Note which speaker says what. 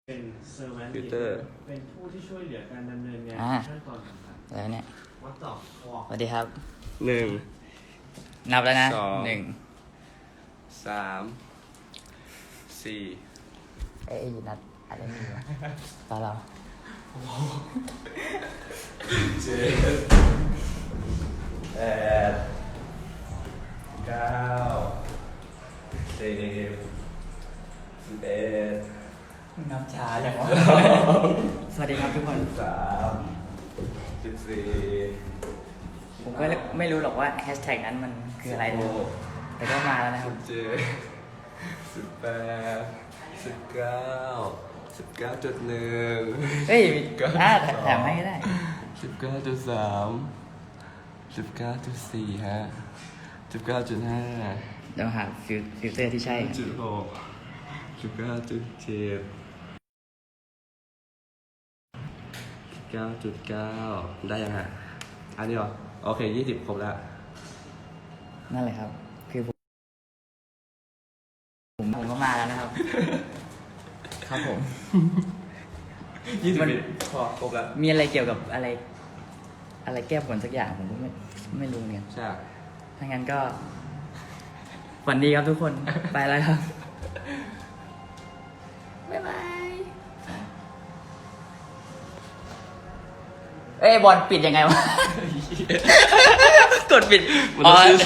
Speaker 1: เป็นเซอร์แวน
Speaker 2: ฟิลเตอร์
Speaker 1: เป็นผู้ที่ช่วยเหลือการดำเนินงานขั้นตอนต่าง
Speaker 3: แล้วเนี่ย
Speaker 1: ๆวัดต่อคอ
Speaker 3: สวัสดีครับ
Speaker 2: หนึ่ง
Speaker 3: นับแล้วนะ
Speaker 2: สอง
Speaker 3: หนึ่ง
Speaker 2: สามสี่
Speaker 3: ไอ้นัดอะไรนี่วะตาเรา
Speaker 2: เจ็ดแปดเก้าสิบ11
Speaker 3: นับช้าจังวะ สวัสดีครับทุกคน
Speaker 2: 14
Speaker 3: ผมก็ไม่รู้หรอกว่าแฮชแท็กนั้นมันคืออะไรนะแต่ก็มาแล้วนะครับ
Speaker 2: 19.1
Speaker 3: เฮ้ยแถมให้ก็ได้
Speaker 2: 19.3 19.4 ฮะ 19.5
Speaker 3: เดี๋ยวหาฟิลเตอร์ที่ใช่
Speaker 2: 19.6 19.7 9.9 ได้ยังฮะ อันนี้เหรอ โอเค 20 ครบแล้ว
Speaker 3: นั่นแหละครับ คือผมก็มาแล้วนะครับ ครับผม
Speaker 2: 20 พอครบแล้ว
Speaker 3: มีอะไรเกี่ยวกับอะไรแก้ผลสักอย่างผมก็ไม่รู้เนี่ย
Speaker 2: ใช่
Speaker 3: ถ้างั้นก็ฝันดีครับทุกคน ไปแล้วครับ บ๊ายบาย เอ้ยบอลปิดยังไงวะ กดปิด
Speaker 2: มันต้องชื่อ